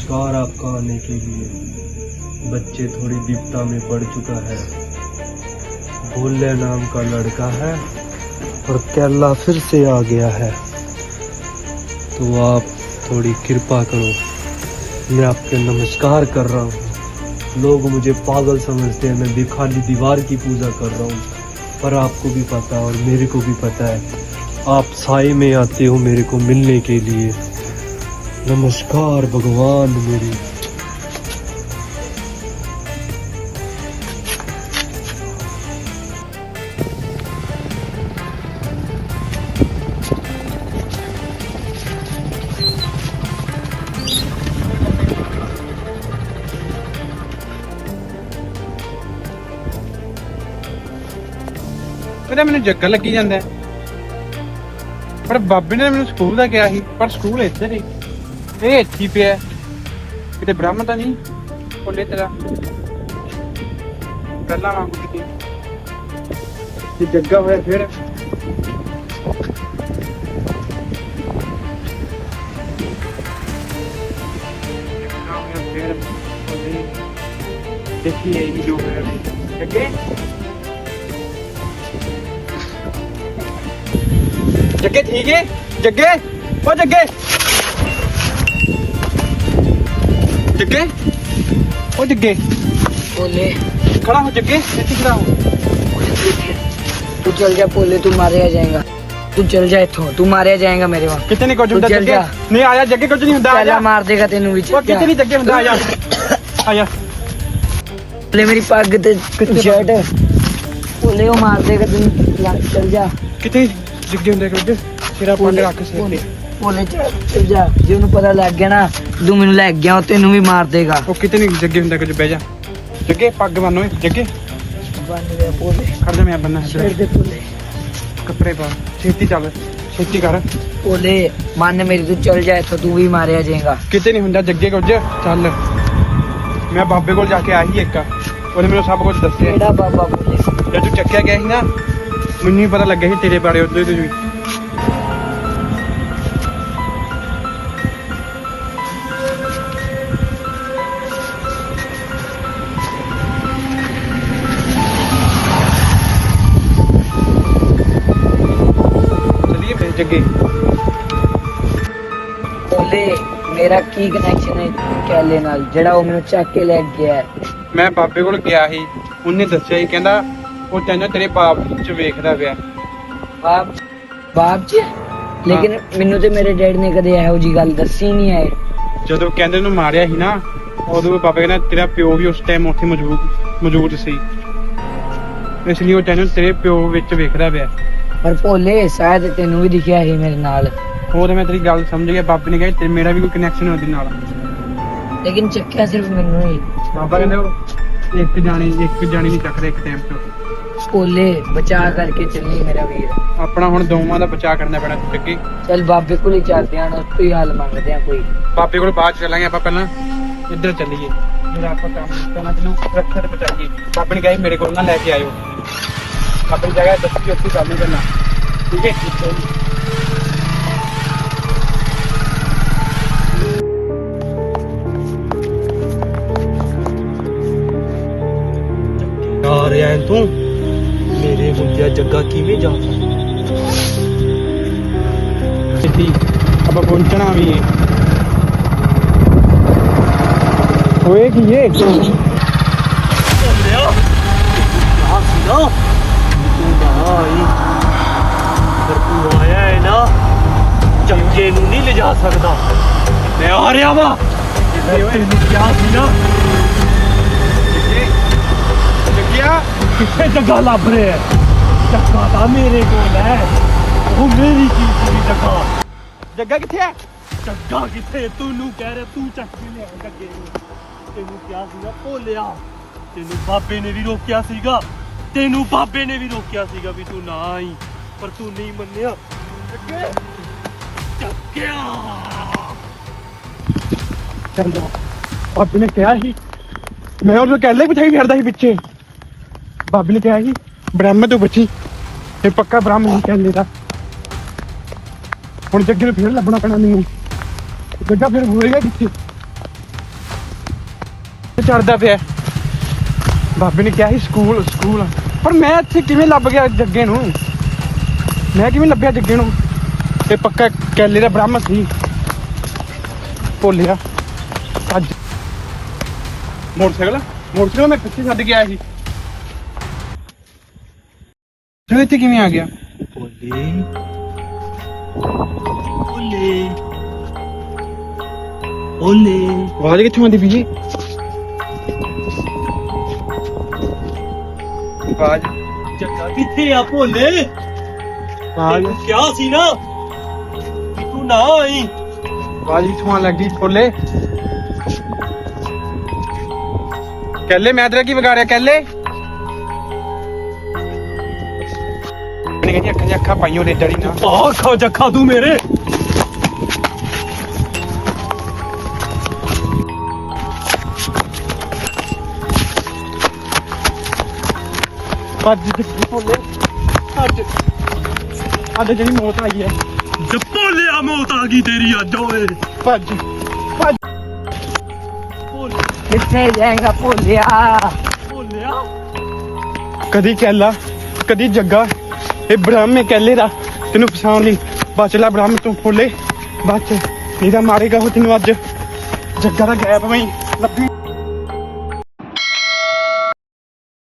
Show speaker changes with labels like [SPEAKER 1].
[SPEAKER 1] नमस्कार आपका आने के लिए। बच्चे थोड़ी विपदा में पड़ चुका है। भोले नाम का लड़का है और केला फिर से आ गया है, तो आप थोड़ी कृपा करो। मैं आपके नमस्कार कर रहा हूँ। लोग मुझे पागल समझते हैं, मैं भी खाली दीवार की पूजा कर रहा हूँ, पर आपको भी पता है और मेरे को भी पता है आप साए में आते हो मेरे को मिलने के लिए। नमस्कार भगवान मेरी।
[SPEAKER 2] मेरा मैंने जग्गा लगी ਜਾਂਦਾ ਹੈ, ਪਰ ਬਾਬੇ ਨੇ ਮੈਨੂੰ ਸਕੂਲ ਦਾ ਕਿਹਾ ਸੀ, ਪਰ ਸਕੂਲ ਇੱਧਰ ਹੀ ਇਹ ਇੱਥੇ ਹੀ ਪਿਆ ਕਿਤੇ ਬ੍ਰਹਮ ਤਾਂ ਨਹੀਂ ਕੋਲੇ ਤੇਰਾ ਪਹਿਲਾਂ ਵਾਂਗੂ ਕਿਤੇ ਜੇ ਜੱਗਾ ਹੋਇਆ ਫਿਰ देखिए ये जो है जग्गे जग्गे ठीक है जग्गे ओ जग्गे जग्गे ओ जग्गे
[SPEAKER 3] बोले
[SPEAKER 2] खड़ा हो जग्गे ऐसे खड़ा हो
[SPEAKER 3] तू चल जा बोले तू मारे जाएगा तू चल जा इथों तू मारे जाएगा मेरे वहां
[SPEAKER 2] कितने नहीं कुछ
[SPEAKER 3] तू
[SPEAKER 2] ਹੁੰਦਾ
[SPEAKER 3] चल
[SPEAKER 2] जग्गे
[SPEAKER 3] जा
[SPEAKER 2] नहीं आया जग्गे कुछ नहीं ਹੁੰਦਾ
[SPEAKER 3] पहला
[SPEAKER 2] आया
[SPEAKER 3] मार देगा तेनू भी
[SPEAKER 2] ओ कितने नहीं जग्गे ਹੁੰਦਾ आया आया
[SPEAKER 3] बोले मेरी पग ते शर्ट बोले वो मार देगा तेनू चल जा
[SPEAKER 2] कितने जग्गे ਹੁੰਦਾ ਕੁਝ ਤੇਰਾ ਪੰਡ ਰੱਖ ਸਿਰ ਤੇ
[SPEAKER 3] बोले चल जा जे ਉਹਨੂੰ ਪਤਾ ਲੱਗ ਗਿਆ ਨਾ ਤੂੰ ਮੈਨੂੰ ਲੈ ਗਿਆ ਉਹ ਤੈਨੂੰ ਵੀ ਮਾਰ ਦੇਗਾ
[SPEAKER 2] ਉਹ ਕਿਤੇ ਨਹੀਂ ਜੱਗੇ ਹੁੰਦਾ ਕੁਝ ਬਹਿ ਜਾ ਜੱਗੇ ਪੱਗ ਬੰਨ ਓਏ ਜੱਗੇ
[SPEAKER 3] ਬੰਨ ਦੇ ਬੋਲੇ
[SPEAKER 2] ਖੜ ਜਾ ਮੈਂ ਬੰਨਾ
[SPEAKER 3] ਛੇੜ ਦੇ ਬੋਲੇ
[SPEAKER 2] ਕੱਪੜੇ ਪਾ ਛੇਤੀ ਚੱਲ ਛੇਤੀ ਕਰ
[SPEAKER 3] बोले मान मेरी तू चल जा इथों तू भी मारे जाएगा
[SPEAKER 2] ਕਿਤੇ ਨਹੀਂ ਹੁੰਦਾ ਜੱਗੇ ਕੁਝ ਚੱਲ ਮੈਂ ਬਾਬੇ ਕੋਲ ਜਾ ਕੇ ਆਇਆ ਸੀ ਇੱਕ ਉਹਨੇ ਮੈਨੂੰ ਸਭ ਕੁਝ ਦੱਸਿਆ
[SPEAKER 3] ਕਿਹੜਾ ਬਾਬਾ ਬੋਲੇ
[SPEAKER 2] ਜਦ ਤੂੰ ਚੱਕਿਆ ਗਿਆ ਸੀ ਨਾ ਮੈਨੂੰ ਹੀ ਪਤਾ ਲੱਗਿਆ ਸੀ ਤੇਰੇ ਬਾਰੇ ਉਦੋਂ ਹੀ चलिए जग्गे
[SPEAKER 3] बोले मेरा की कनेक्शन है कैले नाल ਜਿਹੜਾ ਉਹ ਮੈਨੂੰ ਚੱਕ ਕੇ ਲੈ ਗਿਆ ਹੈ
[SPEAKER 2] ਮੈਂ ਬਾਬੇ ਕੋਲ ਗਿਆ ਸੀ ਉਹਨੇ ਦੱਸਿਆ ਸੀ ਕਹਿੰਦਾ ਉਹ ਤੈਨੂੰ ਤੇਰੇ ਬਾਪ ਚ ਵੇਖਦਾ ਪਿਆ
[SPEAKER 3] ਬਾਪ ਜੀ ਲੇਕਿਨ ਮੈਨੂੰ ਤੇ ਮੇਰੇ ਡੈਡ ਨੇ ਕਦੇ ਇਹੋ ਜੀ ਗੱਲ ਦੱਸੀ ਨਹੀਂ ਹੈ
[SPEAKER 2] ਜਦੋਂ ਕਹਿੰਦੇ ਨੂੰ ਮਾਰਿਆ ਸੀ ਨਾ ਉਦੋਂ ਬਾਬਾ ਕਹਿੰਦਾ ਤੇਰਾ ਪਿਓ ਵੀ ਉਸ ਟਾਈਮ ਉੱਥੇ ਮੌਜੂਦ ਸੀ ਇਸ ਲਈ ਉਹ ਤੈਨੂੰ ਤੇਰੇ ਪਿਓ ਵਿੱਚ ਵੇਖਦਾ ਪਿਆ
[SPEAKER 3] ਪਰ ਭੋਲੇ ਸ਼ਾਇਦ ਤੈਨੂੰ ਵੀ ਦਿਖਿਆ ਸੀ ਮੇਰੇ ਨਾਲ
[SPEAKER 2] ਉਹ ਤੇ ਮੈਂ ਤੇਰੀ ਗੱਲ ਸਮਝ ਗਿਆ ਬਾਬੇ ਨੇ ਕਿਹਾ ਤੇ ਮੇਰਾ ਵੀ ਕੋਈ ਕਨੈਕਸ਼ਨ ਉਹਦੇ ਨਾਲ
[SPEAKER 3] ਲੇਕਿਨ ਚੱਕਿਆ ਸਿਰਫ ਮੈਨੂੰ ਹੀ
[SPEAKER 2] ਬਾਬਾ ਕਹਿੰਦੇ ਉਹ ਇੱਕ ਜਾਣੀ ਨਹੀਂ ਚੱਕਦੇ ਇੱਕ ਟਾਈਮ ਤੋਂ
[SPEAKER 3] ਭੋਲੇ ਬਚਾ ਕਰਕੇ ਚੱਲੀ ਮੇਰਾ ਵੀਰ
[SPEAKER 2] ਆਪਣਾ ਹੁਣ ਦੋਵਾਂ ਦਾ ਬਚਾਅ ਕਰਨਾ ਪੈਣਾ ਜੱਗੇ
[SPEAKER 3] ਚੱਲ ਬਾਬੇ ਕੋਲ ਹੀ ਚੱਲਦੇ ਆਂ ਉਸ ਤੋਂ ਹੀ ਹਾਲ ਮੰਗਦੇ ਆਂ ਕੋਈ
[SPEAKER 2] ਬਾਬੇ ਕੋਲ ਬਾਅਦ ਚ ਚੱਲਾਂਗੇ ਆਪਾਂ ਪਹਿਲਾਂ ਇੱਧਰ ਚੱਲੀਏ ਜਿਹੜਾ ਆਪਾਂ ਕੰਮ ਕਰਨਾ ਜਿਹਨੂੰ ਰੱਖਿਆ ਤੇ ਬਚਾਈਏ ਬਾਬੇ ਨੇ ਕਿਹਾ ਸੀ ਮੇਰੇ ਕੋਲ ਨਾ ਲੈ ਕੇ ਆਇਓ ਆਪਣੀ ਜਗ੍ਹਾ ਦੱਸੀ ਉੱਥੇ ਕੰਮ ਨਹੀਂ ਕਰਨਾ ਠੀਕ ਹੈ
[SPEAKER 1] ਆ ਰਿਹਾ ਹੈ ਤੂੰ ਮੇਰੇ ਹੁੰਦਿਆ ਜੱਗਾ ਕਿਵੇਂ ਜਾ
[SPEAKER 2] ਸਿੱਧੀ ਆਪਾਂ ਪਹੁੰਚਣਾ ਵੀ ਹੈ ਹੋਏ ਕੀ ਇਹ
[SPEAKER 1] ਲਿਆ ਆ ਸੀਗਾ ਤੂੰ ਨਾ ਆਈ ਪਰ ਤੂੰ ਆਇਆ ਹੈ ਨਾ ਜੱਗੇ ਨੂੰ ਨਹੀਂ ਲਿਜਾ ਸਕਦਾ ਮੈਂ ਆ ਰਿਹਾ ਵਾ ਤੈਨੂੰ ਕਿਹਾ ਸੀ ਨਾ
[SPEAKER 2] ਜੱਗਿਆ
[SPEAKER 1] ਕਿੱਥੇ ਜੱਗਾ ਲੱਭ ਰਿਹਾ ਹੈ ਜੱਗਾ ਤਾਂ ਮੇਰੇ ਕੋਲ ਹੈ ਉਹ ਮੇਰੀ ਚੀਜ਼ ਦੀ ਜੱਗਾ
[SPEAKER 2] ਜੱਗਾ ਕਿੱਥੇ ਹੈ
[SPEAKER 1] ਜੱਗਾ ਕਿੱਥੇ ਤੈਨੂੰ ਕਹਿ ਰਿਹਾ ਤੂੰ ਚੱਕ ਕੇ ਲਿਆ ਜੱਗੇ ਨੂੰ ਤੈਨੂੰ ਕਿਹਾ ਸੀਗਾ ਭੋਲਿਆ ਤੈਨੂੰ ਬਾਬੇ ਨੇ ਵੀ ਰੋਕਿਆ ਸੀਗਾ ਵੀ ਤੂੰ ਨਾ ਆਈ ਪਰ ਤੂੰ ਨਹੀਂ ਮੰਨਿਆ ਜੱਗੇ ਜੱਗਿਆ
[SPEAKER 2] ਚੱਲ ਬਾਬੇ ਨੇ ਕਿਹਾ ਸੀ ਮੈਂ ਉਹਨੂੰ ਕਹਿ ਲਿਆ ਬਿਠਾਈ ਫਿਰਦਾ ਸੀ ਪਿੱਛੇ ਬਾਬੇ ਨੇ ਕਿਹਾ ਸੀ ਬ੍ਰਹਮ ਤੋਂ ਬਚੀ ਤੇ ਪੱਕਾ ਬ੍ਰਹਮ ਨਹੀਂ ਕਹਿੰਦੇ ਦਾ ਹੁਣ ਜੱਗੇ ਨੂੰ ਫਿਰ ਲੱਭਣਾ ਪੈਣਾ ਮੈਨੂੰ ਜੱਗਾ ਫਿਰ ਹੋਏਗਾ ਕਿੱਥੇ ਚੜਦਾ ਪਿਆ। ਬਾਬੇ ਨੇ ਕਿਹਾ ਸੀ ਸਕੂਲ ਸਕੂਲ, ਪਰ ਮੈਂ ਇੱਥੇ ਕਿਵੇਂ ਲੱਭ ਗਿਆ ਜੱਗੇ ਨੂੰ? ਮੈਂ ਕਿਵੇਂ ਲੱਭਿਆ ਜੱਗੇ ਨੂੰ? ਇਹ ਪੱਕਾ ਕੈਲੇ ਦਾ ਬ੍ਰਾਹਮਣ ਸੀ। ਭੁੱਲਿਆ ਅੱਜ ਮੋਟਰਸਾਈਕਲ ਮੈਂ ਪਿੱਛੇ ਛੱਡ ਕੇ ਆਇਆ ਸੀ। ਤੂੰ ਇੱਥੇ ਕਿਵੇਂ ਆ ਗਿਆ?
[SPEAKER 1] बोले बोले बोले
[SPEAKER 2] ਆਵਾਜ਼ ਕਿੱਥੋਂ ਆਉਂਦੀ ਪਈ ਜੀ? ਆਵਾਜ਼
[SPEAKER 1] जग्गा किथे आ भोले
[SPEAKER 2] ਆਵਾਜ਼
[SPEAKER 1] क्या सी ना कि तू ना आई
[SPEAKER 2] ਆਵਾਜ਼ ਕਿੱਥੋਂ ਆਉਣ ਲੱਗੀ? ਭੋਲੇ ਕਹਿਲੇ ਮੈਂ ਤੇਰਾ ਕੀ ਵਿਗਾੜਿਆ? ਕਹਿਲੇ ਕਹਿੰਦੀ ਅੱਖਾਂ 'ਚ ਅੱਖਾਂ ਪਾਈਓ ਰੇ ਡੜੀ ਨਾ।
[SPEAKER 1] आ खा जखा तू मेरे
[SPEAKER 2] ਭੱਜ ਭੋਲੇ ਭੱਜ। ਅੱਜ ਜਿਹੜੀ ਮੌਤ ਆਈ ਹੈ।
[SPEAKER 1] भोलिया मौत आ गई तेरी अज ओए
[SPEAKER 2] ਭੱਜ ਭੱਜ।
[SPEAKER 3] कितने जाएगा भोलिया?
[SPEAKER 1] भोलिया
[SPEAKER 2] ਕਦੀ ਕਹਿਲਾ ਕਦੀ ਜੱਗਾ, ਇਹ ਬ੍ਰਹਮ ਹੈ ਕਹਿਲੇ ਦਾ। ਤੈਨੂੰ ਫਸਾਉਣ ਲਈ ਬਚ ਲੈ ਬ੍ਰਹਮ ਤੂੰ ਭੋਲੇ, ਬਚ ਨਹੀਂ ਤਾਂ ਮਾਰੇਗਾ ਉਹ ਤੈਨੂੰ। ਅੱਜ ਜੱਗਾ ਦਾ ਗੈਪ ਮੈਂ ਲੱਭੀ